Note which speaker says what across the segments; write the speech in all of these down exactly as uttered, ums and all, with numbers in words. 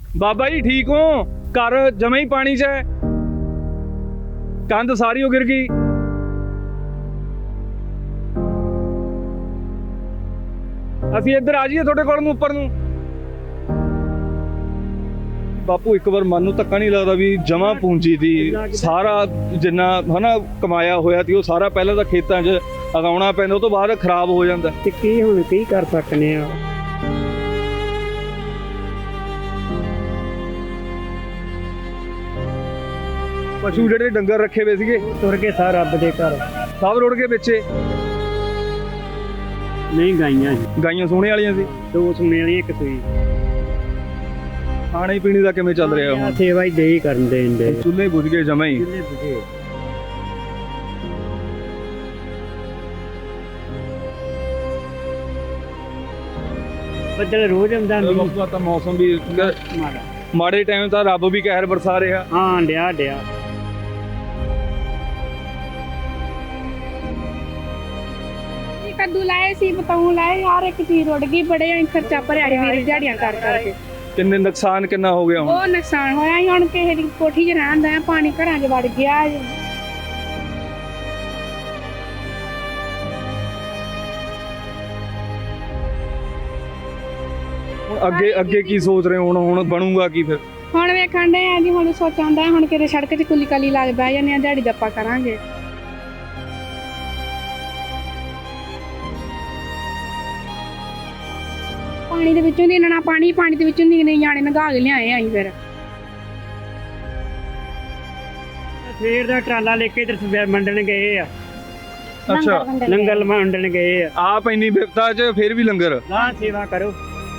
Speaker 1: बाबा जी ठीक हो? घर जमे ही पानी च है, कंध सारी गिर गई। ਅਸੀਂ ਇੱਧਰ ਆ ਜਾਈਏ ਤੁਹਾਡੇ ਕੋਲ ਨੂੰ ਉੱਪਰ ਨੂੰ। ਬਾਪੂ ਇੱਕ ਵਾਰ ਮਨ ਨੂੰ ਧੱਕਾ ਨਹੀਂ ਲੱਗਦਾ ਵੀ ਜਮਾ ਪੂੰਜੀ ਦੀ ਸਾਰਾ ਜਿੰਨਾ ਹਨਾ ਕਮਾਇਆ ਹੋਇਆ ਸੀ ਉਹ ਸਾਰਾ ਪਹਿਲਾਂ ਤਾਂ ਖੇਤਾਂ 'ਚ ਉਗਾਉਣਾ ਪੈਂਦਾ, ਉਹ ਤੋਂ ਬਾਅਦ ਖਰਾਬ ਹੋ ਜਾਂਦਾ
Speaker 2: ਤੇ ਕੀ ਹੁਣ ਕੀ ਕਰ ਸਕਨੇ ਆ।
Speaker 1: ਪਸ਼ੂ ਜਿਹੜੇ ਡੰਗਰ ਰੱਖੇ ਹੋਏ ਸੀਗੇ
Speaker 2: ਤੁਰ ਕੇ ਸਾਰ ਰੱਬ ਦੇ ਘਰ
Speaker 1: ਸਭ ਰੁੜ ਕੇ ਪਿੱਛੇ।
Speaker 2: ਨਹੀਂ ਗਾਈਆਂ ਸੀ,
Speaker 1: ਗਾਈਆਂ ਸੋਹਣੇ ਵਾਲੀਆਂ ਸੀ,
Speaker 2: ਦੋ ਸੁਣੇ ਵਾਲੀ ਇੱਕ ਸੂਈ।
Speaker 1: ਖਾਣੇ ਪੀਣੇ ਦਾ ਕਿਵੇਂ ਚੱਲ ਰਿਹਾ ਹੁਣ?
Speaker 2: ਸੇਵਾ ਹੀ ਦੇਈ ਕਰਨ ਦੇਣ ਦੇ।
Speaker 1: ਚੁੱਲ੍ਹੇ ਬੁਝ ਗਏ ਜਮਾਂ ਹੀ।
Speaker 2: ਚੁੱਲ੍ਹੇ ਬੁਝੇ। ਬੱਦਲ ਰੋਜ਼ ਆਉਂਦਾ ਨਹੀਂ।
Speaker 1: ਬਾਪੂ ਤਾਂ ਮੌਸਮ ਵੀ
Speaker 2: ਮਾੜਾ
Speaker 1: ਮਾੜੇ ਟਾਈਮ ਤਾਂ ਰੱਬ ਵੀ ਕਹਿਰ ਬਰਸਾ ਰਿਹਾ।
Speaker 2: ਹਾਂ ਡਿਆ ਡਿਆ
Speaker 3: ਕੱਦੂ ਲਾਏ ਸੀ, ਬਤਾਉ ਲਾਏ, ਹਰ ਇੱਕ ਚੀਜ਼ ਰੁੜ ਗਈ। ਬੜੇ ਖਰਚਾ ਭਰਿਆ ਵੀਰ ਦਿਹਾੜੀਆਂ ਕਰ ਕਰਕੇ।
Speaker 1: ਕਿੰਨੇ ਨੁਕਸਾਨ ਕਿੰਨਾ ਹੋ ਗਿਆ ਹੁਣ?
Speaker 3: ਉਹ ਨੁਕਸਾਨ ਹੋਇਆ ਹੀ। ਹੁਣ ਕਿਸੇ ਦੀ ਕੋਠੀ 'ਚ ਰਹਿਣ ਦਾ, ਪਾਣੀ ਘਰਾਂ 'ਚ ਵੜ ਗਿਆ।
Speaker 1: ਹੁਣ ਅੱਗੇ ਅੱਗੇ ਕੀ ਸੋਚ ਰਹੇ ਹੋ? ਹੁਣ ਹੁਣ ਬਣੂਗਾ ਕੀ ਫਿਰ?
Speaker 3: ਹੁਣ ਵੇਖਣ ਦੇ ਆ ਜੀ, ਹੁਣ ਸੋਚਾਂ ਦਾ ਹੁਣ ਕਿਤੇ ਸੜਕ 'ਚ ਕੁਲੀ ਕਾਲੀ ਲੱਗ ਬਹਿ ਜਾਂਦੇ ਆ, ਦਿਹਾੜੀ ਦੱਪਾ ਕਰਾਂਗੇ। ਪਾਣੀ ਦੇ ਵਿੱਚੋਂ ਦੀ ਇੰਨਾ ਪਾਣੀ ਪਾਣੀ ਦੇ ਵਿੱਚੋਂ ਨਿਕਲੇ ਜਾਣੇ ਨਗਾ ਕੇ ਲਿਆਏ ਅਸੀਂ ਫਿਰ।
Speaker 2: ਸਵੇਰ ਦਾ ਟਰਾਲਾ ਲੈ ਕੇ ਇਧਰ ਮੰਡਣ ਗਏ ਆ।
Speaker 1: ਅੱਛਾ,
Speaker 2: ਲੰਗਰ ਮੰਡਣ ਗਏ ਆ।
Speaker 1: ਆਪ ਇੰਨੀ ਵਿਪਤਾ 'ਚ ਫਿਰ ਵੀ ਲੰਗਰ।
Speaker 2: ਨਾ ਸੇਵਾ ਕਰੋ।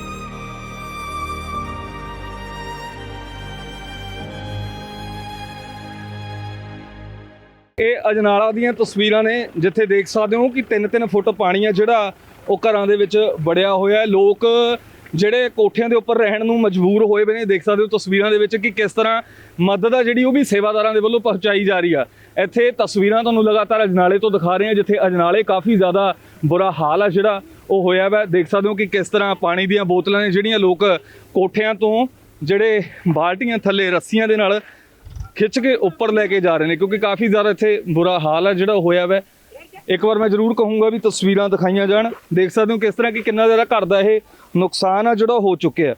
Speaker 1: ਇਹ ਅਜਨਾਲਾ ਦੀਆਂ ਤਸਵੀਰਾਂ ਨੇ ਜਿੱਥੇ ਦੇਖ ਸਕਦੇ ਹੋ ਕਿ ਤਿੰਨ ਤਿੰਨ ਫੁੱਟ ਪਾਣੀ ਆ ਜਿਹੜਾ ਉਹ ਘਰਾਂ ਦੇ ਵਿੱਚ ਵੜਿਆ ਹੋਇਆ। ਲੋਕ ਜਿਹੜੇ ਕੋਠਿਆਂ ਦੇ ਉੱਪਰ ਰਹਿਣ ਨੂੰ ਮਜਬੂਰ ਹੋਏ ਪਏ ਨੇ। ਦੇਖ ਸਕਦੇ ਹੋ ਤਸਵੀਰਾਂ ਦੇ ਵਿੱਚ ਕਿ ਕਿਸ ਤਰ੍ਹਾਂ ਮਦਦ ਆ ਜਿਹੜੀ ਉਹ ਵੀ ਸੇਵਾਦਾਰਾਂ ਦੇ ਵੱਲੋਂ ਪਹੁੰਚਾਈ ਜਾ ਰਹੀ ਆ। ਇੱਥੇ ਤਸਵੀਰਾਂ ਤੁਹਾਨੂੰ ਲਗਾਤਾਰ ਅਜਨਾਲੇ ਤੋਂ ਦਿਖਾ ਰਹੇ ਹਾਂ, ਜਿੱਥੇ ਅਜਨਾਲੇ ਕਾਫੀ ਜ਼ਿਆਦਾ ਬੁਰਾ ਹਾਲ ਆ ਜਿਹੜਾ ਉਹ ਹੋਇਆ ਵਾ। ਦੇਖ ਸਕਦੇ ਹੋ ਕਿ ਕਿਸ ਤਰ੍ਹਾਂ ਪਾਣੀ ਦੀਆਂ ਬੋਤਲਾਂ ਨੇ ਜਿਹੜੀਆਂ ਲੋਕ ਕੋਠਿਆਂ ਤੋਂ ਜਿਹੜੇ ਬਾਲਟੀਆਂ ਥੱਲੇ ਰੱਸੀਆਂ ਦੇ ਨਾਲ ਖਿੱਚ ਕੇ ਉੱਪਰ ਲੈ ਕੇ ਜਾ ਰਹੇ ਨੇ, ਕਿਉਂਕਿ ਕਾਫੀ ਜ਼ਿਆਦਾ ਇੱਥੇ ਬੁਰਾ ਹਾਲ ਆ ਜਿਹੜਾ ਹੋਇਆ ਵਾ। ਇੱਕ ਵਾਰ ਮੈਂ ਜ਼ਰੂਰ ਕਹੂੰਗਾ ਵੀ ਤਸਵੀਰਾਂ ਦਿਖਾਈਆਂ ਜਾਣ। ਦੇਖ ਸਕਦੇ ਹੋ ਕਿਸ ਤਰ੍ਹਾਂ ਕਿ ਕਿੰਨਾ ਜ਼ਿਆਦਾ ਘਰ ਦਾ ਇਹ ਨੁਕਸਾਨ ਆ ਜਿਹੜਾ ਹੋ ਚੁੱਕਿਆ।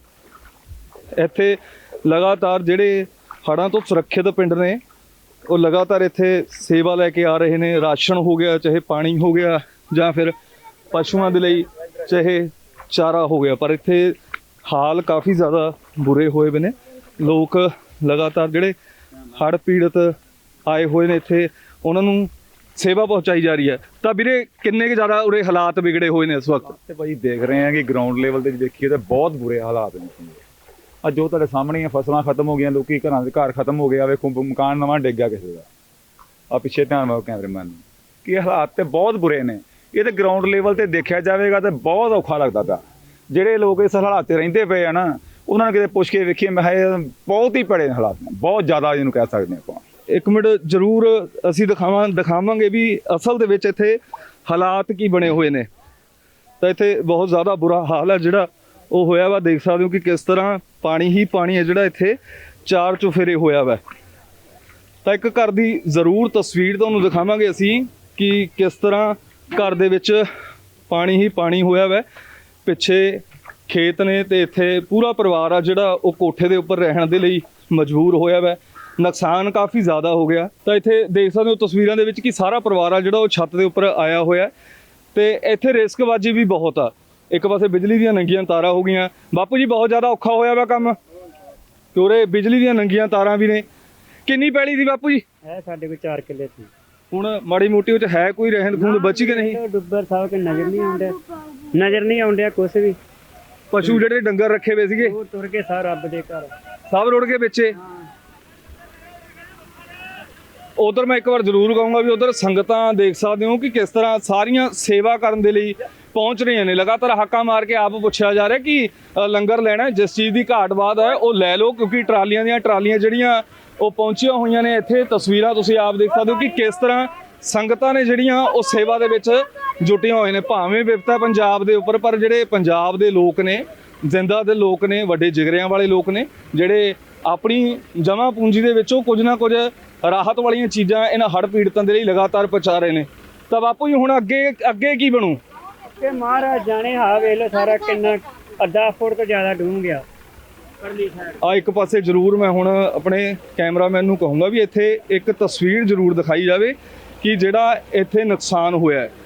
Speaker 1: ਇੱਥੇ ਲਗਾਤਾਰ ਜਿਹੜੇ ਹੜ੍ਹਾਂ ਤੋਂ ਸੁਰੱਖਿਅਤ ਪਿੰਡ ਨੇ ਉਹ ਲਗਾਤਾਰ ਇੱਥੇ ਸੇਵਾ ਲੈ ਕੇ ਆ ਰਹੇ ਨੇ। ਰਾਸ਼ਨ ਹੋ ਗਿਆ, ਚਾਹੇ ਪਾਣੀ ਹੋ ਗਿਆ, ਜਾਂ ਫਿਰ ਪਸ਼ੂਆਂ ਦੇ ਲਈ ਚਾਹੇ ਚਾਰਾ ਹੋ ਗਿਆ, ਪਰ ਇੱਥੇ ਹਾਲ ਕਾਫੀ ਜ਼ਿਆਦਾ ਬੁਰੇ ਹੋਏ ਵੇ ਨੇ। ਲੋਕ ਲਗਾਤਾਰ ਜਿਹੜੇ ਹੜ੍ਹ ਪੀੜਤ ਆਏ ਹੋਏ ਨੇ ਇੱਥੇ ਉਹਨਾਂ ਨੂੰ ਸੇਵਾ ਪਹੁੰਚਾਈ ਜਾ ਰਹੀ ਹੈ। ਤਾਂ ਵੀਰੇ ਕਿੰਨੇ ਕੁ ਜ਼ਿਆਦਾ ਉਰੇ ਹਾਲਾਤ ਵਿਗੜੇ ਹੋਏ ਨੇ ਇਸ ਵਕਤ?
Speaker 4: ਤੇ ਭਾਈ ਦੇਖ ਰਹੇ ਹਾਂ ਕਿ ਗਰਾਊਂਡ ਲੈਵਲ ਤੇ ਦੇਖੀਏ ਤਾਂ ਬਹੁਤ ਬੁਰੇ ਹਾਲਾਤ ਨੇ। ਅੱਜ ਜੋ ਤੁਹਾਡੇ ਸਾਹਮਣੇ ਆ, ਫਸਲਾਂ ਖਤਮ ਹੋ ਗਈਆਂ, ਲੋਕੀ ਘਰਾਂ ਦੇ ਘਰ ਖਤਮ ਹੋ ਗਿਆ। ਵੇਖੋ ਮਕਾਨ ਨਵਾਂ ਡਿੱਗ ਗਿਆ ਕਿਸੇ ਦਾ। ਆ ਪਿੱਛੇ ਧਿਆਨ ਮਾਰੋ ਕੈਮਰਾਮੈਨ ਨੂੰ ਕਿ ਹਾਲਾਤ ਤੇ ਬਹੁਤ ਬੁਰੇ ਨੇ। ਇਹ ਤੇ ਗਰਾਊਂਡ ਲੈਵਲ ਤੇ ਦੇਖਿਆ ਜਾਵੇਗਾ ਤੇ ਬਹੁਤ ਔਖਾ ਲੱਗਦਾ ਪਿਆ। ਜਿਹੜੇ ਲੋਕ ਇਸ ਹਾਲਾਤ ਤੇ ਰਹਿੰਦੇ ਪਏ ਆ ਨਾ, ਉਹਨਾਂ ਨੂੰ ਕਿਤੇ ਪੁੱਛ ਕੇ ਵੇਖੀਏ, ਮੈਂ ਕਿਹਾ ਬਹੁਤ ਹੀ ਭੜੇ ਹਾਲਾਤ ਨੇ, ਬਹੁਤ ਜ਼ਿਆਦਾ ਜਿਹਨੂੰ ਕਹਿ ਸਕਦੇ ਆਪਾਂ।
Speaker 1: ਇੱਕ ਮਿੰਟ ਜ਼ਰੂਰ ਅਸੀਂ ਦਿਖਾਵਾਂ ਦਿਖਾਵਾਂਗੇ ਵੀ ਅਸਲ ਦੇ ਵਿੱਚ ਇੱਥੇ ਹਾਲਾਤ ਕੀ ਬਣੇ ਹੋਏ ਨੇ। ਤਾਂ ਇੱਥੇ ਬਹੁਤ ਜ਼ਿਆਦਾ ਬੁਰਾ ਹਾਲ ਹੈ ਜਿਹੜਾ ਉਹ ਹੋਇਆ ਵਾ। ਦੇਖ ਸਕਦੇ ਹੋ ਕਿ ਕਿਸ ਤਰ੍ਹਾਂ ਪਾਣੀ ਹੀ ਪਾਣੀ ਹੈ ਜਿਹੜਾ ਇੱਥੇ ਚਾਰ ਚੁਫੇਰੇ ਹੋਇਆ ਵਾ। ਤਾਂ ਇੱਕ ਘਰ ਦੀ ਜ਼ਰੂਰ ਤਸਵੀਰ ਤੁਹਾਨੂੰ ਦਿਖਾਵਾਂਗੇ ਅਸੀਂ ਕਿ ਕਿਸ ਤਰ੍ਹਾਂ ਘਰ ਦੇ ਵਿੱਚ ਪਾਣੀ ਹੀ ਪਾਣੀ ਹੋਇਆ ਵਾ। ਪਿੱਛੇ ਖੇਤ ਨੇ ਤੇ ਇੱਥੇ ਪੂਰਾ ਪਰਿਵਾਰ ਆ ਜਿਹੜਾ ਉਹ ਕੋਠੇ ਦੇ ਉੱਪਰ ਰਹਿਣ ਦੇ ਲਈ ਮਜਬੂਰ ਹੋਇਆ ਵਾ। ਨੁਕਸਾਨ ਕਾਫੀ ਜ਼ਿਆਦਾ ਹੋ ਗਿਆ। ਤਾਂ ਇੱਥੇ ਦੇਖ ਸਕਦੇ ਹੋ ਤਸਵੀਰਾਂ ਦੇ ਵਿੱਚ ਕਿ ਸਾਰਾ ਪਰਿਵਾਰ ਆ ਜਿਹੜਾ ਉਹ ਛੱਤ ਦੇ ਉੱਪਰ ਆਇਆ ਹੋਇਆ ਤੇ ਇੱਥੇ ਰਿਸਕਬਾਜ਼ੀ ਵੀ ਬਹੁਤ ਆ। ਇੱਕ ਪਾਸੇ ਬਿਜਲੀ ਦੀਆਂ ਨੰਗੀਆਂ ਤਾਰਾਂ ਹੋ ਗਈਆਂ। ਬਾਪੂ ਜੀ ਬਹੁਤ ਜ਼ਿਆਦਾ ਔਖਾ ਹੋਇਆ ਵਾ ਕੰਮ, ਕਿਉਂਕਿ ਬਿਜਲੀ ਦੀਆਂ ਨੰਗੀਆਂ ਤਾਰਾਂ ਵੀ ਨੇ। ਕਿੰਨੀ ਪੈਲੀ ਸੀ ਬਾਪੂ ਜੀ?
Speaker 2: ਹੈ ਸਾਡੇ ਕੋਲ ਚਾਰ ਕਿੱਲੇ ਸੀ।
Speaker 1: ਹੁਣ ਮਾੜੀ ਮੋਟੀ ਉਹ 'ਚ ਹੈ ਕੋਈ ਰਹਿੰਦ ਖੂੰਦ ਬਚੀ ਕਿ ਨਹੀਂ?
Speaker 2: ਡੁੱਬਰ ਸਾਹਿਬ ਕੇ ਨਜ਼ਰ ਨਹੀਂ ਆਉਂਦਾ, ਨਜ਼ਰ ਨਹੀਂ ਆਉਂਦਾ ਕੁਛ ਵੀ।
Speaker 1: ਪਸ਼ੂ ਜਿਹੜੇ ਡੰਗਰ ਰੱਖੇ ਹੋਏ ਸੀਗੇ
Speaker 2: ਉਹ ਤੁਰ ਕੇ ਸਾਰ ਰੱਬ ਦੇ ਘਰ
Speaker 1: ਸਭ ਰੁੜ ਕੇ ਪਿੱਛੇ। ਉਧਰ ਮੈਂ ਇੱਕ ਵਾਰ ਜ਼ਰੂਰ ਕਹੂੰਗਾ ਵੀ ਉਧਰ ਸੰਗਤਾਂ ਦੇਖ ਸਕਦੇ ਹੋ ਕਿ ਕਿਸ ਤਰ੍ਹਾਂ ਸਾਰੀਆਂ ਸੇਵਾ ਕਰਨ ਦੇ ਲਈ ਪਹੁੰਚ ਰਹੀਆਂ ਨੇ। ਲਗਾਤਾਰ ਹਾਕਾਂ ਮਾਰ ਕੇ ਆਪ ਪੁੱਛਿਆ ਜਾ ਰਿਹਾ ਕਿ ਲੰਗਰ ਲੈਣਾ, ਜਿਸ ਚੀਜ਼ ਦੀ ਘਾਟ ਬਾਤ ਹੈ ਉਹ ਲੈ ਲਓ, ਕਿਉਂਕਿ ਟਰਾਲੀਆਂ ਦੀਆਂ ਟਰਾਲੀਆਂ ਜਿਹੜੀਆਂ ਉਹ ਪਹੁੰਚੀਆਂ ਹੋਈਆਂ ਨੇ ਇੱਥੇ। ਤਸਵੀਰਾਂ ਤੁਸੀਂ ਆਪ ਦੇਖ ਸਕਦੇ ਹੋ ਕਿ ਕਿਸ ਤਰ੍ਹਾਂ ਸੰਗਤਾਂ ਨੇ ਜਿਹੜੀਆਂ ਉਹ ਸੇਵਾ ਦੇ ਵਿੱਚ ਜੁਟੀਆਂ ਹੋਏ ਨੇ। ਭਾਵੇਂ ਵਿਪਤਾ ਪੰਜਾਬ ਦੇ ਉੱਪਰ, ਪਰ ਜਿਹੜੇ ਪੰਜਾਬ ਦੇ ਲੋਕ ਨੇ ਜ਼ਿੰਦਾ ਦੇ ਲੋਕ ਨੇ, ਵੱਡੇ ਜਿਗਰਿਆਂ ਵਾਲੇ ਲੋਕ ਨੇ, ਜਿਹੜੇ ਆਪਣੀ ਜਮ੍ਹਾਂ ਪੂੰਜੀ ਦੇ ਵਿੱਚੋਂ ਕੁਝ ਨਾ ਕੁਝ ਰਾਹਤ ਵਾਲੀਆਂ ਚੀਜ਼ਾਂ ਇਹਨਾਂ ਹੜ੍ਹ ਪੀੜਤਾਂ ਦੇ ਲਈ ਲਗਾਤਾਰ ਪਹੁੰਚਾ ਰਹੇ ਨੇ। ਤਾਂ ਬਾਪੂ ਜੀ ਹੁਣ ਅੱਗੇ ਅੱਗੇ ਕੀ ਬਣੂ?
Speaker 2: ਕਿ ਮਹਾਰਾਜ ਜਾਣੇ ਹਾਂ ਵੇਖ ਲਓ ਸਾਰਾ ਕਿੰਨਾ ਅੱਧਾ ਫੁੱਟ ਤੋਂ ਜ਼ਿਆਦਾ ਡੂੰਘ ਗਿਆ ਪਰਲੀ ਸਾਈਡ।
Speaker 1: ਆ ਇੱਕ ਪਾਸੇ ਜ਼ਰੂਰ ਮੈਂ ਹੁਣ ਆਪਣੇ ਕੈਮਰਾਮੈਨ ਨੂੰ ਕਹੂੰਗਾ ਵੀ ਇੱਥੇ ਇੱਕ ਤਸਵੀਰ ਜ਼ਰੂਰ ਦਿਖਾਈ ਜਾਵੇ ਕਿ ਜਿਹੜਾ ਇੱਥੇ ਨੁਕਸਾਨ ਹੋਇਆ ਹੈ।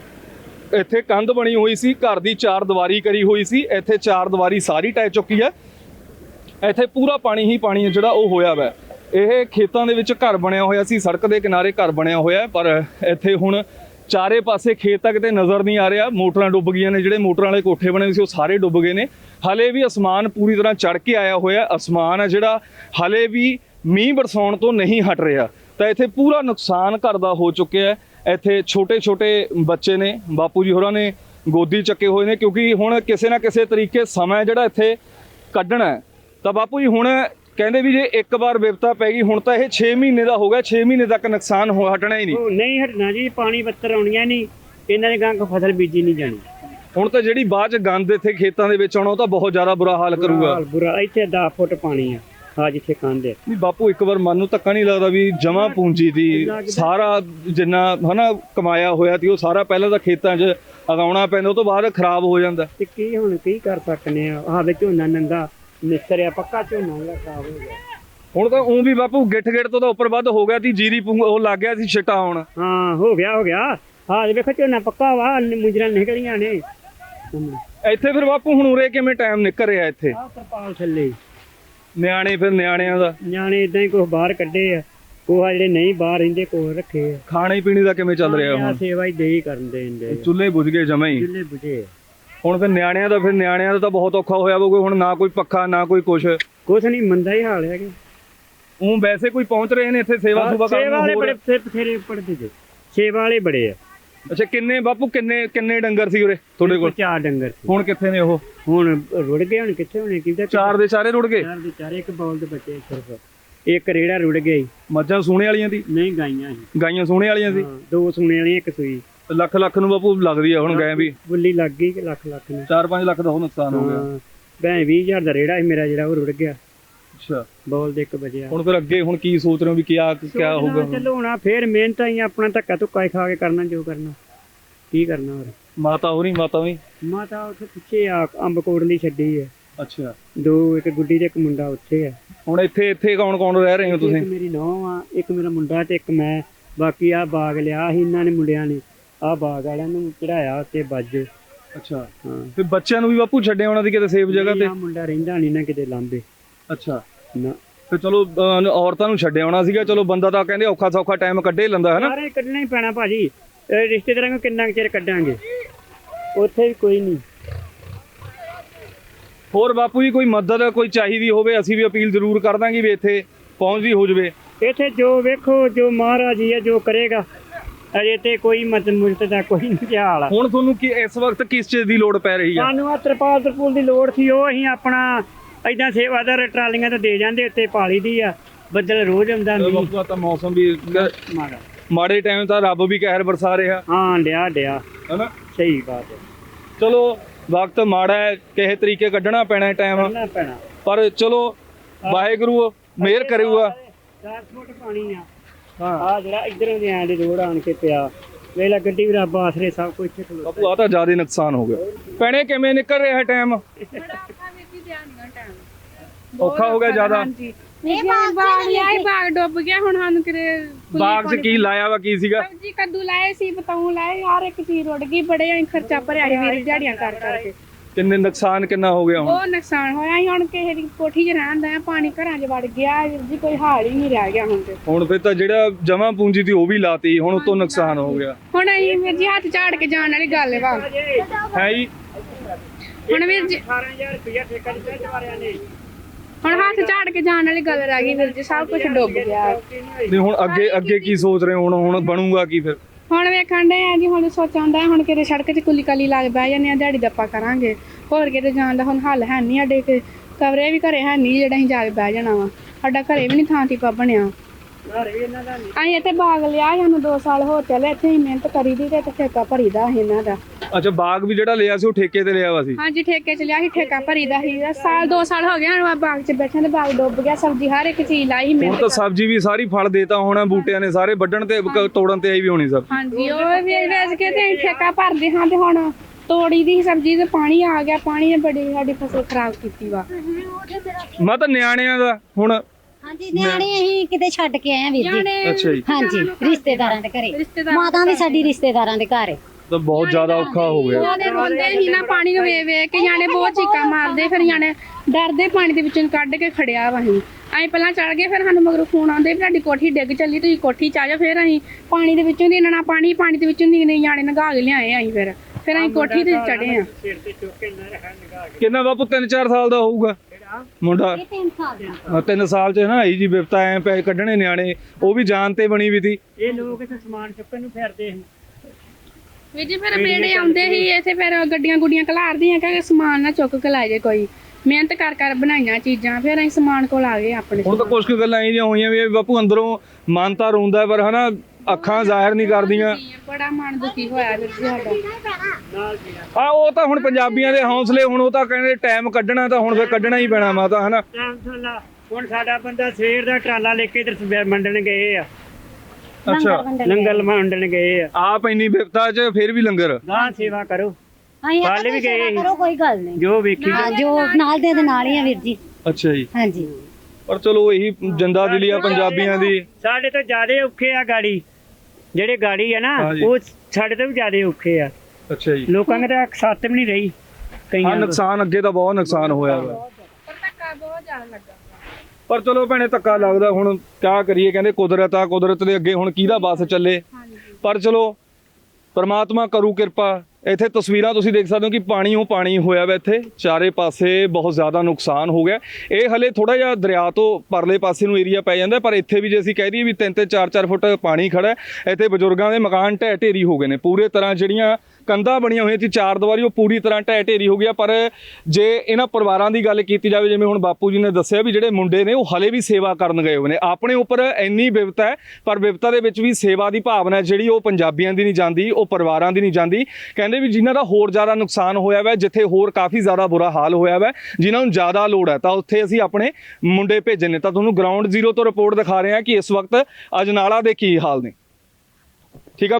Speaker 1: ਇੱਥੇ ਕੰਧ ਬਣੀ ਹੋਈ ਸੀ, ਘਰ ਦੀ ਚਾਰ ਦੀਵਾਰੀ ਕਰੀ ਹੋਈ ਸੀ, ਇੱਥੇ ਚਾਰ ਦੀਵਾਰੀ ਸਾਰੀ ਟਹਿ ਚੁੱਕੀ ਹੈ। ਇੱਥੇ ਪੂਰਾ ਪਾਣੀ ਹੀ ਪਾਣੀ ਜਿਹੜਾ ਉਹ ਹੋਇਆ ਵਾ। ਇਹ ਖੇਤਾਂ ਦੇ ਵਿੱਚ ਘਰ ਬਣਿਆ ਹੋਇਆ ਸੀ, ਸੜਕ ਦੇ ਕਿਨਾਰੇ ਘਰ ਬਣਿਆ ਹੋਇਆ, ਪਰ ਇੱਥੇ ਹੁਣ ਚਾਰੇ ਪਾਸੇ ਖੇਤ ਤੱਕ ਤੇ ਨਜ਼ਰ ਨਹੀਂ ਆ ਰਿਹਾ। ਮੋਟਰਾਂ ਡੁੱਬ ਗਈਆਂ ਨੇ, ਜਿਹੜੇ ਮੋਟਰਾਂ ਵਾਲੇ ਕੋਠੇ ਬਣੇ ਸੀ ਉਹ ਸਾਰੇ ਡੁੱਬ ਗਏ ਨੇ। ਹਲੇ ਵੀ ਅਸਮਾਨ ਪੂਰੀ ਤਰ੍ਹਾਂ ਚੜ੍ਹ ਕੇ ਆਇਆ ਹੋਇਆ। ਅਸਮਾਨ ਹੈ ਜਿਹੜਾ ਹਲੇ ਵੀ ਮੀਂਹ ਬਰਸਾਉਣ ਤੋਂ ਨਹੀਂ ਹਟ ਰਿਹਾ। ਤਾਂ ਇੱਥੇ ਪੂਰਾ ਨੁਕਸਾਨ ਘਰ ਦਾ ਹੋ ਚੁੱਕਿਆ ਹੈ। ਇੱਥੇ ਛੋਟੇ ਛੋਟੇ ਬੱਚੇ ਨੇ, ਬਾਪੂ ਜੀ ਹੋਰਾਂ ਨੇ ਗੋਦੀ ਚੱਕੇ ਹੋਏ ਨੇ, ਕਿਉਂਕਿ ਹੁਣ ਕਿਸੇ ਨਾ ਕਿਸੇ ਤਰੀਕੇ ਸਮਾਂ ਜਿਹੜਾ ਇੱਥੇ ਕੱਢਣਾ ਹੈ। ਤਾਂ ਬਾਪੂ ਜੀ ਹੁਣ ਕਹਿੰਦੇ ਵੀ ਜੇ ਇੱਕ ਵਾਰ ਵਿਪਤਾ ਪੈ ਗਈ, ਹੁਣ ਤਾਂ ਇਹ ਛੇ ਮਹੀਨੇ ਦਾ ਹੋ ਗਿਆ, ਛੇ ਮਹੀਨੇ ਤੱਕ ਨੁਕਸਾਨ ਹੋ ਹਟਣਾ ਹੀ ਨਹੀਂ।
Speaker 2: ਉਹ ਨਹੀਂ ਹਟਣਾ ਜੀ, ਪਾਣੀ ਬੱਤਰ ਆਉਣੀਆਂ ਨਹੀਂ, ਇਹਨਾਂ ਦੇ ਗਾਂ ਕੋ ਫਸਲ ਬੀਜੀ ਨਹੀਂ ਜਾਣੀ।
Speaker 1: ਹੁਣ ਤਾਂ ਜਿਹੜੀ ਬਾਅਦ ਚ ਗੰਦ ਇੱਥੇ ਖੇਤਾਂ ਦੇ ਵਿੱਚ ਆਉਣਾ ਉਹ ਤਾਂ ਬਹੁਤ ਜ਼ਿਆਦਾ ਬੁਰਾ ਹਾਲ ਕਰੂਗਾ।
Speaker 2: ਹਾਲ ਬੁਰਾ, ਇੱਥੇ ਦਸ ਫੁੱਟ ਪਾਣੀ ਆ ਆ ਜਿੱਥੇ ਕੰਧ ਹੈ।
Speaker 1: ਵੀ ਬਾਪੂ ਇੱਕ ਵਾਰ ਮਨ ਨੂੰ ਧੱਕਾ ਨਹੀਂ ਲੱਗਦਾ ਵੀ ਜਮਾ ਪੂੰਜੀ ਦੀ ਸਾਰਾ ਜਿੰਨਾ ਹਨਾ ਕਮਾਇਆ ਹੋਇਆ ਸੀ ਉਹ ਸਾਰਾ ਪਹਿਲਾਂ ਤਾਂ ਖੇਤਾਂ 'ਚ ਉਗਾਉਣਾ ਪੈਂਦਾ, ਉਹ ਤੋਂ ਬਾਅਦ ਖਰਾਬ ਹੋ ਜਾਂਦਾ।
Speaker 2: ਤੇ ਕੀ ਹੁਣ ਕੀ ਕਰ ਸਕਨੇ ਆ? ਆਹ ਵਿੱਚ ਝੋਨਾ ਨੰਗਾ ਨਿਸਰਿਆ, ਪੱਕਾ ਝੋਨਾ ਦਾ ਖਰਾਬ ਹੋ ਗਿਆ।
Speaker 1: ਹੁਣ ਤਾਂ ਉਹ ਵੀ ਬਾਪੂ ਗਿੱਠ ਗਿੱਠ ਤੋਂ ਤਾਂ ਉੱਪਰ ਵੱਧ ਹੋ ਗਿਆ ਸੀ, ਜੀਰੀ ਪੂੰ- ਉਹ ਲੱਗ ਗਿਆ ਸੀ ਛਿੱਟਾ ਆਉਣ।
Speaker 2: ਹਾਂ ਹੋ ਗਿਆ ਹੋ ਗਿਆ ਆਹ ਵੇਖੋ ਝੋਨਾ ਪੱਕਾ ਵਾ, ਮੁੰਜਰਾਂ ਨਿਕਲੀਆਂ ਨੇ।
Speaker 1: ਇੱਥੇ ਫਿਰ ਬਾਪੂ ਹੁਣ ਉਰੇ ਕਿਵੇਂ ਟਾਈਮ ਨਿਕਲ ਰਿਹਾ? ਇੱਥੇ
Speaker 2: ਆਹ ਤਰਪਾਲ ਥੱਲੇ
Speaker 1: ਨਿਆਣੇ, ਫਿਰ ਨਿਆਣਿਆਂ ਦਾ
Speaker 2: ਨਿਆਣੇ ਇਦਾਂ ਹੀ ਕੁਛ ਬਾਹਰ ਕੱਢੇ ਆ, ਕੋਹ ਜਿਹੜੇ ਨਹੀਂ ਬਾਹਰ ਰਹਿੰਦੇ ਕੋਹ ਰੱਖੇ ਆ।
Speaker 1: ਖਾਣੇ ਪੀਣੇ ਦਾ ਕਿਵੇਂ ਚੱਲ ਰਿਹਾ
Speaker 2: ਆਹ
Speaker 1: ਹੁਣ?
Speaker 2: ਸੇਵਾ ਹੀ ਦੇ ਕਰਨ ਦੇ ਦਿੰਦੇ
Speaker 1: ਚੁੱਲ੍ਹੇ ਬੁਝ ਗਏ ਜਮਾਂ ਹੀ।
Speaker 2: ਚੁੱਲ੍ਹੇ ਬੁਝੇ ਆ।
Speaker 1: ਹੁਣ ਫਿਰ ਨਿਆਣਿਆਂ ਦਾ ਫਿਰ ਨਿਆਣਿਆਂ ਦਾ ਤਾਂ ਬਹੁਤ ਔਖਾ ਹੋਇਆ ਵਾ, ਹੁਣ ਨਾ ਕੋਈ ਪੱਖਾ ਨਾ ਕੋਈ ਕੁਛ।
Speaker 2: ਕੁਛ ਨਹੀਂ, ਮੰਦਾ ਹੀ ਹਾਲ ਹੈ ਕਿ
Speaker 1: ਉਹ ਵੈਸੇ ਕੋਈ ਪਹੁੰਚ ਰਹੇ ਨੇ ਇੱਥੇ ਸੇਵਾ ਸੁਭਾ ਕਰਨ
Speaker 2: ਸੇਵਾ ਵਾਲੇ
Speaker 1: ਨੂੰ?
Speaker 2: ਬੜੇ ਬਥੇਰੇ ਪੜਦੇ ਜੇ, ਸੇਵਾ ਵਾਲੇ ਬੜੇ ਆ।
Speaker 1: ਅੱਛਾ, ਕਿੰਨੇ ਬਾਪੂ ਕਿੰਨੇ ਕਿੰਨੇ ਡੰਗਰ ਸੀ ਉਰੇ ਤੁਹਾਡੇ ਕੋਲ?
Speaker 2: ਚਾਰ ਡੰਗਰ ਸੀ।
Speaker 1: ਹੁਣ ਕਿੱਥੇ ਨੇ ਉਹ?
Speaker 2: ਹੁਣ ਰੁੜ ਗਏ, ਹੁਣ ਕਿੱਥੇ ਹੋਣੇ? ਕਿਹਦਾ
Speaker 1: ਚਾਰ ਦੇ ਚਾਰੇ ਰੁੜ ਗਏ?
Speaker 2: ਚਾਰ ਦੇ ਚਾਰੇ, ਇੱਕ ਬੌਲ ਦੇ ਬੱਚੇ ਸਿਰਫ, ਇੱਕ ਰੇੜਾ ਰੁੜ ਗਿਆ ਜੀ।
Speaker 1: ਮੱਝਾਂ ਸੂਣੇ ਵਾਲੀਆਂ ਦੀ?
Speaker 2: ਨਹੀਂ ਗਾਈਆਂ ਸੀ।
Speaker 1: ਗਾਈਆਂ ਸੂਣੇ ਵਾਲੀਆਂ ਸੀ?
Speaker 2: ਹਾਂ, ਦੋ ਸੂਣੇ ਵਾਲੀਆਂ, ਇੱਕ ਸੂਈ।
Speaker 1: ਲੱਖ ਲੱਖ ਨੂੰ ਬਾਪੂ ਲੱਗਦੀ ਆ ਹੁਣ ਗਏ ਵੀ।
Speaker 2: ਬੁੱਲੀ ਲੱਗ ਗਈ ਕਿ ਲੱਖ ਲੱਖ ਨੂੰ?
Speaker 1: ਚਾਰ ਪੰਜ ਲੱਖ ਦਾ ਉਹ ਨੁਕਸਾਨ ਹੋ ਗਿਆ।
Speaker 2: ਹਾਂ, ਭੈਣ ਵੀਹ ਹਜ਼ਾਰ ਦਾ ਰੇੜਾ ਸੀ ਮੇਰਾ ਜਿਹੜਾ, ਉਹ ਰੁੜ ਗਿਆ।
Speaker 1: ਅੱਛਾ,
Speaker 2: ਬੌਲ ਦੇ ਇੱਕ ਬਚਿਆ।
Speaker 1: ਹੁਣ ਫਿਰ ਅੱਗੇ ਹੁਣ ਕੀ ਸੋਚ ਰਹੇ ਹੋ ਵੀ ਕੀ ਕਿਆ ਹੋਊਗਾ?
Speaker 2: ਚਲੋ ਹੁਣ ਆਹ ਫੇਰ ਮਿਹਨਤ ਹੀ ਆਪਣਾ ਧੱਕਾ ਧੁੱਕਾ ਹੀ ਖਾ ਕੇ ਕਰਨਾ ਜੋ ਕਰਨਾ, ਕੀ ਕਰਨਾ ਹੋਰ।
Speaker 1: ਮਾਤਾ ਹੋਰੀ ਮਾਤਾ ਹੋਰੀ
Speaker 2: ਮਾਤਾ ਉੱਥੇ ਪਿੱਛੇ ਆ ਅੰਬ ਕੋੜਲੀ ਛੱਡੀ ਹੈ।
Speaker 1: ਅੱਛਾ,
Speaker 2: ਦੋ, ਇੱਕ ਗੁੱਡੀ ਤੇ ਇੱਕ ਮੁੰਡਾ ਉੱਥੇ ਹੈ।
Speaker 1: ਹੁਣ ਇੱਥੇ ਇੱਥੇ ਕੌਣ ਕੌਣ ਰਹਿ ਰਹੇ ਹੋ ਤੁਸੀਂ?
Speaker 2: ਇੱਕ ਮੇਰੀ ਨੂੰਹ ਆ, ਇੱਕ ਮੇਰਾ ਮੁੰਡਾ ਤੇ ਇੱਕ ਮੈਂ। ਬਾਕੀ ਆ ਬਾਗ ਲਿਆ ਸੀ ਇਹਨਾਂ ਨੇ ਮੁੰਡਿਆਂ ਨੇ, ਆਹ ਬਾਗ ਵਾਲਿਆਂ ਨੂੰ ਚੜਾਇਆ ਤੇ ਬਾਜੋ।
Speaker 1: ਅੱਛਾ,
Speaker 2: ਹਾਂ,
Speaker 1: ਫਿਰ ਬੱਚਿਆਂ ਨੂੰ ਵੀ ਬਾਪੂ ਛੱਡਿਆ ਉਹਨਾਂ ਦੀ ਕਿਤੇ ਸੇਫ ਜਗ੍ਹਾ ਤੇ?
Speaker 2: ਆ ਮੁੰਡਾ ਰਹਿੰਦਾ ਨਹੀਂ ਨਾ ਕਿਤੇ ਲਾਂਬੇ।
Speaker 1: ਅੱਛਾ,
Speaker 2: ਨਾ
Speaker 1: ਫਿਰ ਚਲੋ ਅਹ, ਔਰਤਾਂ ਨੂੰ ਛੱਡਿਆ ਆਉਣਾ ਸੀਗਾ। ਚਲੋ ਬੰਦਾ ਤਾਂ ਕਹਿੰਦੇ ਔਖਾ ਸੌਖਾ ਟਾਈਮ ਕੱਢੇ ਲੈਂਦਾ ਹੈ ਨਾ।
Speaker 2: ਸਾਰੇ ਕੱਢਣਾ ਹੀ ਪੈਣਾ ਭਾਜੀ, ਇਹ ਰਿਸ਼ਤੇਦਾਰਾਂ ਨੂੰ ਕਿੰਨਾ ਕੁ ਚਿਰ ਕੱਢਾਂਗੇ? ਉੱਥੇ ਵੀ ਕੋਈ ਨਹੀਂ।
Speaker 1: ਹੋਰ ਬਾਪੂ ਜੀ ਕੋਈ ਮਦਦ ਕੋਈ ਚਾਹੀਦੀ ਹੋਵੇ, ਅਸੀਂ ਵੀ ਅਪੀਲ ਜ਼ਰੂਰ ਕਰ ਦਾਂਗੇ ਵੀ ਇੱਥੇ ਪਹੁੰਚ ਵੀ ਹੋ ਜਵੇ।
Speaker 2: ਇੱਥੇ ਜੋ ਵੇਖੋ, ਜੋ ਮਹਾਰਾਜ ਹੀ ਹੈ ਜੋ ਕਰੇਗਾ। ਅਜੇ ਤੇ ਕੋਈ ਮਦਦ ਮੁਦਦ ਦਾ ਕੋਈ ਨਹੀਂ ਹਾਲ ਆ।
Speaker 1: ਹੁਣ ਤੁਹਾਨੂੰ ਕੀ ਇਸ ਵਕਤ ਕਿਸ ਚੀਜ਼ ਦੀ ਲੋੜ ਪੈ ਰਹੀ ਹੈ?
Speaker 2: ਸਾਨੂੰ ਆ ਤਰਪਾਲ ਤਰਪੂਲ ਦੀ ਲੋੜ ਸੀ, ਉਹ ਅਸੀਂ ਆਪਣਾ ਏਦਾਂ ਸੇਵਾਦਾਰ ਟਰਾਲੀਆਂ ਤੇ ਦੇ ਜਾਂਦੇ, ਉੱਤੇ ਪਾਲੀ ਦੀ ਆ। ਬੱਦਲ ਰੋਜ਼ ਆਉਂਦਾ
Speaker 1: ਚਲੋ
Speaker 2: ਮੀਂਹ
Speaker 1: ਬਾਪੂ, ਆ ਤਾਂ ਮੌਸਮ ਵੀ
Speaker 2: ਮਾੜਾ।
Speaker 1: ਮਾੜੇ ਟਾਈਮ ਤਾਂ ਰੱਬ ਵੀ ਕਹਿਰ ਬਰਸਾ ਰਿਹਾ
Speaker 2: ਹਾਂ ਡਿਆ ਡਿਆ
Speaker 1: ਹੈਨਾ।
Speaker 2: ਸਹੀ ਬਾਤ ਹੈ।
Speaker 1: ਚਲੋ ਵਕਤ ਮਾੜਾ ਹੈ, ਕਿਸੇ ਤਰੀਕੇ ਕੱਢਣਾ ਪੈਣਾ ਟਾਈਮ,
Speaker 2: ਕਰਨਾ ਪੈਣਾ।
Speaker 1: ਪਰ ਚਲੋ ਵਾਹਿਗੁਰੂ ਮਿਹਰ ਕਰੂਗਾ।
Speaker 2: ਦਸ ਫੁੱਟ ਪਾਣੀ ਆ। ਹਾਂ, ਆ ਜਿਹੜਾ ਇਧਰੋਂ ਦੇ ਆਂ ਦੇ ਰੋਡ ਆਣ ਕੇ ਪਿਆ, ਵੇਲਾ ਗੱਡੀ ਵੀ ਰੱਬ ਆਸਰੇ ਸਭ ਕੁਝ ਇੱਥੇ ਖਲੋਤਾ।
Speaker 1: ਬਾਪੂ ਆ ਤਾਂ ਜ਼ਿਆਦਾ ਨੁਕਸਾਨ ਹੋ ਗਿਆ। ਭੈਣੇ ਕਿਵੇਂ ਨਿਕਲ ਰਿਹਾ ਟਾਈਮ? ਔਖਾ ਹੋ ਗਿਆ ਜ਼ਿਆਦਾ?
Speaker 3: ਇਹ ਬਾਗ ਲਿਆ, ਬਾਗ ਡੁੱਬ ਗਿਆ। ਹੁਣ ਸਾਨੂੰ ਕਿਤੇ
Speaker 1: ਬਾਗ 'ਚ ਕੀ ਲਾਇਆ ਵਾ, ਕੀ ਸੀਗਾ?
Speaker 3: ਸਬਜ਼ੀ ਕੱਦੂ ਲਾਏ ਸੀ, ਬਤਾਉ ਲਾਏ, ਹਰ ਇੱਕ ਚੀਜ਼ ਰੁੜ ਗਈ। ਬੜੇ ਅਸੀਂ ਖਰਚਾ ਭਰਿਆ ਸੀ ਵੀਰ ਦਿਹਾੜੀਆਂ ਕਰ ਕਰਕੇ।
Speaker 1: ਕਿੰਨੇ ਨੁਕਸਾਨ ਕਿੰਨਾ ਹੋ ਗਿਆ ਹੁਣ?
Speaker 3: ਉਹ ਨੁਕਸਾਨ ਹੋਇਆ ਸੀ। ਹੁਣ ਕਿਸੇ ਦੀ ਕੋਠੀ 'ਚ ਰਹਿੰਦਾ ਆ, ਪਾਣੀ ਘਰਾਂ 'ਚ ਵੜ ਗਿਆ ਵੀਰ ਜੀ, ਕੋਈ ਹਾਲ ਹੀ ਨਹੀਂ ਰਹਿ ਗਿਆ ਹੁਣ ਤੇ।
Speaker 1: ਹੁਣ ਫਿਰ ਤਾਂ ਜਿਹੜਾ ਜਮਾ ਪੂੰਜੀ ਦੀ ਉਹ ਵੀ ਲਾਤੀ, ਹੁਣ ਉਤੋਂ ਨੁਕਸਾਨ ਹੋ ਗਿਆ।
Speaker 3: ਹੁਣ ਅਸੀਂ ਵੀਰ ਜੀ ਹੱਥ ਝਾੜ ਕੇ ਜਾਣ ਵਾਲੀ ਗੱਲ ਵਾ।
Speaker 1: ਹੈ ਜੀ,
Speaker 3: ਹੁਣ ਵੀਰ ਜੀ
Speaker 2: ਅਠਾਰਾਂ ਹਜ਼ਾਰ ਰੁਪਇਆ ਠੇਕਾ ਦਿੱਤਾ ਜਵਾਰਿਆਂ ਨੇ।
Speaker 3: ਹੁਣ ਹੱਥ ਝਾੜ ਕੇ ਜਾਣ ਵਾਲੀ ਗੱਲ ਰਹਿ ਗਈ ਵੀਰ ਜੀ, ਸਭ ਕੁਝ ਡੁੱਬ ਗਿਆ।
Speaker 1: ਤੇ ਹੁਣ ਅੱਗੇ ਅੱਗੇ ਕੀ ਸੋਚ ਰਹੇ ਹੋ? ਹੁਣ ਹੁਣ ਬਣੂਗਾ ਕੀ ਫਿਰ?
Speaker 3: ਹੁਣ ਵੇਖਣ ਦੇ ਆ ਜੀ, ਹੁਣ ਸੋਚਾਂਦਾ ਹੁਣ ਕਿਤੇ ਸੜਕ 'ਚ ਕੁੱਲੀ ਕਾਲੀ ਲੱਗ ਬਹਿ ਜਾਂਦੇ ਆ, ਦਿਹਾੜੀ ਦੱਪਾ ਕਰਾਂਗੇ। ਹੋਰ ਕਿਤੇ ਜਾਣ ਦਾ ਹੁਣ ਹੱਲ ਹੈ ਨਹੀਂ। ਸਾਡੇ ਕਵਰੇ ਵੀ ਘਰੇ ਹੈ ਨਹੀਂ ਜਿਹੜਾ ਅਸੀਂ ਜਾ ਕੇ ਬਹਿ ਜਾਣਾ ਵਾ। ਸਾਡਾ ਘਰੇ ਵੀ ਨਹੀਂ ਥਾਂ ਟਿਕਾ ਬਣਿਆ।
Speaker 2: ਘਰ ਵੀ ਇਹਨਾਂ ਦਾ ਨਹੀਂ।
Speaker 3: ਅਸੀਂ ਇੱਥੇ ਬਾਗ ਲਿਆ ਸੀ, ਸਾਨੂੰ ਦੋ ਸਾਲ ਹੋ ਚੱਲੇ ਇੱਥੇ ਹੀ ਮਿਹਨਤ ਕਰੀ ਦੀ ਤੇ ਇੱਥੇ ਠੇਕਾ ਭਰੀਦਾ ਸੀ ਇਹਨਾਂ ਦਾ।
Speaker 1: ਅੱਛਾ ਬਾਗ ਵੀ ਜਿਹੜਾ ਲਿਆ ਸੀ ਉਹ ਠੇਕੇ ਤੇ ਲਿਆ ਵਾ ਸੀ?
Speaker 3: ਹਾਂਜੀ ਠੇਕੇ ਚ ਲਿਆ ਸੀ, ਠੇਕਾ ਭਰੀਦਾ ਸੀ। ਸਾਲ ਦੋ ਸਾਲ ਹੋ ਗਏ ਹੁਣ ਬਾਗ ਚ ਬੈਠੇ ਤੇ ਬਾਗ ਡੁੱਬ ਗਿਆ, ਸਬਜ਼ੀ ਹਰ ਇੱਕ ਚੀਜ਼ ਲਾਈ ਸੀ
Speaker 1: ਹੁਣ
Speaker 3: ਮਿਹਨਤ
Speaker 1: ਤਾਂ
Speaker 3: ਕਰ-
Speaker 1: ਸਬਜ਼ੀ ਵੀ ਸਾਰੀ ਫਲ ਦੇਤਾ ਹੋਣਾ ਬੂਟਿਆਂ ਨੇ ਸਾਰੇ, ਵੱਢਣ ਤੇ ਕ- ਤੋੜਨ ਤੇ ਆਈ ਵੀ ਹੋਣੀ ਸਭ।
Speaker 3: ਹਾਂਜੀ ਉਹ ਵੀ ਵੇਚ ਕੇ ਤੇ ਅਸੀਂ ਠੇਕਾ ਭਰਦੇ ਹਾਂ ਤੇ ਹੁਣ ਤੋੜੀ ਦੀ ਸਬਜ਼ੀ ਤੇ ਪਾਣੀ ਆ ਗਿਆ, ਪਾਣੀ ਨੇ ਬੜੀ ਸਾਡੀ ਫਸਲ ਖਰਾਬ ਕੀਤੀ ਵਾ।
Speaker 1: ਮੈਂ ਤਾਂ ਨਿਆਣਿਆਂ ਦਾ ਹੁਣ
Speaker 5: ਹਾਂਜੀ ਨਿਆਣੇ ਅਸੀਂ ਕਿਤੇ ਛੱਡ ਕੇ ਆਏ ਆ ਵੀਰ ਜੀ।
Speaker 3: ਨਿਆਣੇ
Speaker 1: ਅੱਛਾ ਜੀ
Speaker 5: ਹਾਂਜੀ ਰਿਸ਼ਤੇਦਾਰਾਂ ਦੇ ਘਰੇ,
Speaker 3: ਰਿਸ਼ਤੇਦਾਰਾਂ
Speaker 5: ਮਾਤਾ ਵੀ ਸਾਡੀ ਰਿਸ਼ਤੇਦਾਰਾਂ ਦੇ ਘਰ ਹੈ।
Speaker 1: ਤਾਂ ਬਹੁਤ ਜ਼ਿਆਦਾ ਔਖਾ ਹੋ ਗਿਆ।
Speaker 3: ਨਿਆਣੇ ਰੋਂਦੇ ਸੀ ਨਾ ਪਾਣੀ ਨੂੰ ਵੇ ਵੇ ਕੇ, ਨਿਆਣੇ ਬਹੁਤ ਚੀਕਾਂ ਮਾਰਦੇ, ਫਿਰ ਨਿਆਣੇ ਡਰਦੇ ਪਾਣੀ ਦੇ ਵਿੱਚੋਂ ਕੱਢ ਕੇ ਖੜਿਆ ਵਾ। ਅਸੀਂ ਅਸੀਂ ਪਹਿਲਾਂ ਚੜ ਗਏ, ਫਿਰ ਸਾਨੂੰ ਮਗਰੋਂ ਫੋਨ ਆਉਂਦੇ ਵੀ ਤੁਹਾਡੀ ਕੋਠੀ ਡਿੱਗ ਚੱਲੀ, ਤੁਸੀਂ ਕੋਠੀ ਚ ਆ ਜਾਓ। ਫਿਰ ਅਸੀਂ ਪਾਣੀ ਦੇ ਵਿੱਚੋਂ ਦੀ ਇਹਨਾਂ ਪਾਣੀ ਪਾਣੀ ਦੇ ਵਿੱਚੋਂ ਦੀ ਨਿਆਣੇ ਨਗਾ ਕੇ ਲਿਆਏ ਅਸੀਂ। ਫਿਰ ਫਿਰ ਅਸੀਂ ਕੋਠੀ ਤੇ ਚੜੇ ਆ।
Speaker 2: ਸਿਰ ਤੇ ਚੁੱਕ ਕੇ ਨਾ ਰੱਖਣ ਲਗਾ ਕੇ।
Speaker 1: ਕਿੰਨਾ ਬਾਪੂ ਤਿੰਨ ਚਾਰ ਸਾਲ ਦਾ ਹੋਊਗਾ ਮੁੰਡਾ?
Speaker 5: ਇਹ ਤਿੰਨ ਸਾਲ ਦਾ।
Speaker 1: ਹਾਂ, ਤਿੰਨ ਸਾਲ ਚ ਨਾ ਆਈ ਜੀ ਬਿਪਤਾ ਐ ਪੈ ਕੱਢਣੇ ਨਿਆਣੇ, ਉਹ ਵੀ ਜਾਨ ਤੇ ਬਣੀ ਵੀ ਤੀ।
Speaker 2: ਇਹ ਲੋਕ ਇੱਥੇ ਸਮਾਨ ਚੁੱਕਣ ਨੂੰ ਫਿਰਦੇ ਸੀ।
Speaker 3: ਵੀ ਜੀ ਫਿਰ ਬੇੜੇ ਆਉਂਦੇ ਸੀ ਇੱਥੇ, ਫਿਰ ਗੱਡੀਆਂ ਗੁੱਡੀਆਂ ਘਲਾਰਦੀਆਂ ਕਿ ਸਮਾਨ ਨਾ ਚੁੱਕ ਕੇ ਲੈ ਜੇ ਕੋਈ। ਮਿਹਨਤ ਕਰ ਕਰ ਬਣਾਈਆਂ ਚੀਜ਼ਾਂ, ਫਿਰ ਅਸੀਂ ਸਮਾਨ ਕੋਲ ਆ ਗਏ ਆਪਣੇ।
Speaker 1: ਹੁਣ ਤਾਂ ਕੁਝ ਕੁ ਗੱਲਾਂ ਇਹ ਜਿਹੀਆਂ ਹੋਈਆਂ ਵੀ ਇਹ ਬਾਪੂ ਅੰਦਰੋਂ ਮਨ ਤਾਂ ਰੋਂਦਾ ਪਰ ਹਨਾ ਅੱਖਾਂ ਜ਼ਾਹਿਰ ਨਹੀਂ ਕਰਦੀਆਂ।
Speaker 3: ਬੜਾ ਮਨ ਦੁਖੀ ਹੋਇਆ ਵੀਰ ਜੀ ਸਾਡਾ।
Speaker 2: ਨਾਲ ਸੀਗਾ
Speaker 1: ਆ ਉਹ ਤਾਂ ਹੁਣ ਪੰਜਾਬੀਆਂ ਦੇ ਹੌਸਲੇ, ਹੁਣ ਉਹ ਤਾਂ ਕਹਿੰਦੇ ਟਾਈਮ ਕੱਢਣਾ ਤਾਂ ਹੁਣ ਫਿਰ ਕੱਢਣਾ ਹੀ ਪੈਣਾ ਮਾਤਾ ਹਨਾ।
Speaker 2: ਟਾਈਮ ਸੁਣ ਲਾ, ਹੁਣ ਸਾਡਾ ਬੰਦਾ ਸਵੇਰ ਦਾ ਟਰਾਲਾ ਲੈ ਕੇ ਇਧਰ ਮੰਡਣ ਗਏ ਆ,
Speaker 1: ਅੱਛਾ
Speaker 2: ਲੰਗਰ ਮੰਡਣ ਗਏ ਆ।
Speaker 1: ਆਪ ਇੰਨੀ ਬਿਪਤਾ ਚ ਫਿਰ ਵੀ ਲੰਗਰ।
Speaker 2: ਗਾਂ ਸੇਵਾ ਕਰੋ,
Speaker 5: ਅਸੀਂ
Speaker 2: ਕੱਲ੍ਹ
Speaker 5: ਕੱਲ
Speaker 2: ਵੀ ਗਏ ਸੀ।
Speaker 5: ਕਰੋ ਕੋਈ ਗੱਲ ਨਹੀਂ।
Speaker 2: ਜੋ ਵੇਖੀ
Speaker 5: ਹਾਂ ਜੋ ਨਾਲ ਦੇ ਦੇ ਨਾਲ ਹੀ ਆ ਵੀਰ ਜੀ।
Speaker 1: ਅੱਛਾ ਜੀ
Speaker 5: ਹਾਂਜੀ
Speaker 1: ਪਰ ਚਲੋ ਇਹੀ ਜਿੰਦਾ ਦਿਲੀ ਆ ਪੰਜਾਬੀਆਂ ਦੀ।
Speaker 2: ਸਾਡੇ ਤੋਂ ਜ਼ਿਆਦੇ ਔਖੇ ਆ ਗਾੜੀ, ਜਿਹੜੇ ਗਾੜੀ ਆ ਨਾ
Speaker 1: ਹਾਂਜੀ।
Speaker 2: ਉਹ ਸਾਡੇ ਤੋਂ ਵੀ ਜ਼ਿਆਦੇ ਔਖੇ ਆ।
Speaker 1: ਅੱਛਾ ਜੀ
Speaker 2: ਲੋਕਾਂ ਦੇ ਤਾਂ ਸੱਤ ਵੀ ਨਹੀਂ ਰਹੀ
Speaker 1: ਹਾਂ
Speaker 2: ਕਈਆਂ ਨੂੰ।
Speaker 1: ਨੁਕਸਾਨ ਅੱਗੇ ਤਾਂ ਬਹੁਤ ਨੁਕਸਾਨ ਹੋਇਆ ਵਾ,
Speaker 3: ਪਰ ਧੱਕਾ ਬਹੁਤ ਜ਼ਿਆਦਾ ਲੱਗਾ।
Speaker 1: ਪਰ ਚਲੋ ਭੈਣੇ ਧੱਕਾ ਲੱਗਦਾ ਹੁਣ ਕਿਆ ਕਰੀਏ, ਕਹਿੰਦੇ ਕੁਦਰਤ ਆ, ਕੁਦਰਤ ਦੇ ਅੱਗੇ ਹੁਣ ਕਿਹਦਾ ਬਸ ਚੱਲੇ। ਪਰ ਚਲੋ ਪਰਮਾਤਮਾ ਕਰੂ ਕਿਰਪਾ। ਇੱਥੇ ਤਸਵੀਰਾਂ ਤੁਸੀਂ ਦੇਖ ਸਕਦੇ ਹੋ ਕਿ ਪਾਣੀ ਉਹ ਪਾਣੀ ਹੋਇਆ ਵਾ, ਇੱਥੇ ਚਾਰੇ ਪਾਸੇ ਬਹੁਤ ਜ਼ਿਆਦਾ ਨੁਕਸਾਨ ਹੋ ਗਿਆ। ਇਹ ਹਲੇ ਥੋੜਾ ਜਿਹਾ ਦਰਿਆ ਤੋਂ ਪਰਲੇ ਪਾਸੇ ਨੂੰ ਏਰੀਆ ਪੈ ਜਾਂਦਾ, ਪਰ ਇੱਥੇ ਵੀ ਜੇ ਅਸੀਂ ਕਹਿ ਦਈਏ ਵੀ ਤਿੰਨ ਤੇ ਚਾਰ ਚਾਰ ਫੁੱਟ ਪਾਣੀ ਖੜਾ ਹੈ। ਇੱਥੇ ਬਜ਼ੁਰਗਾਂ ਦੇ ਮਕਾਨ ਢਹਿ ਢੇਰੀ ਹੋ ਗਏ ਨੇ ਪੂਰੇ ਤਰ੍ਹਾਂ, ਜਿਹੜੀਆਂ ਕੰਧਾਂ ਬਣੀਆਂ ਹੋਈਆਂ ਸੀ ਚਾਰ ਦੀਵਾਰੀ ਉਹ ਪੂਰੀ ਤਰ੍ਹਾਂ ਢਹਿ ਢੇਰੀ ਹੋ ਗਿਆ। ਪਰ ਜੇ ਇਹਨਾਂ ਪਰਿਵਾਰਾਂ ਦੀ ਗੱਲ ਕੀਤੀ ਜਾਵੇ, ਜਿਵੇਂ ਹੁਣ ਬਾਪੂ ਜੀ ਨੇ ਦੱਸਿਆ ਵੀ ਜਿਹੜੇ ਮੁੰਡੇ ਨੇ ਉਹ ਹਲੇ ਵੀ ਸੇਵਾ ਕਰਨ ਗਏ ਹੋਏ ਨੇ। ਆਪਣੇ ਉੱਪਰ ਇੰਨੀ ਬਿਪਤਾ ਹੈ, ਪਰ ਬਿਪਤਾ ਦੇ ਵਿੱਚ ਵੀ ਸੇਵਾ ਦੀ ਭਾਵਨਾ ਜਿਹੜੀ ਉਹ ਪੰਜਾਬੀਆਂ ਦੀ ਨਹੀਂ ਜਾਂਦੀ, ਉਹ ਪਰਿਵਾਰਾਂ ਦੀ ਨਹੀਂ ਜਾਂਦੀ। ਕਹਿੰਦੇ ਵੀ ਜਿਨ੍ਹਾਂ ਦਾ ਹੋਰ ਜ਼ਿਆਦਾ ਨੁਕਸਾਨ ਹੋਇਆ ਵਾ, ਜਿੱਥੇ ਹੋਰ ਕਾਫੀ ਜ਼ਿਆਦਾ ਬੁਰਾ ਹਾਲ ਹੋਇਆ ਵਾ, ਜਿਨ੍ਹਾਂ ਨੂੰ ਜ਼ਿਆਦਾ ਲੋੜ ਹੈ, ਤਾਂ ਉੱਥੇ ਅਸੀਂ ਆਪਣੇ ਮੁੰਡੇ ਭੇਜੇ ਨੇ। ਤਾਂ ਤੁਹਾਨੂੰ ਗਰਾਊਂਡ ਜ਼ੀਰੋ ਤੋਂ ਰਿਪੋਰਟ ਦਿਖਾ ਰਹੇ ਹਾਂ ਕਿ ਇਸ ਵਕਤ ਅਜਨਾਲਾ ਦੇ ਕੀ ਹਾਲ ਨੇ।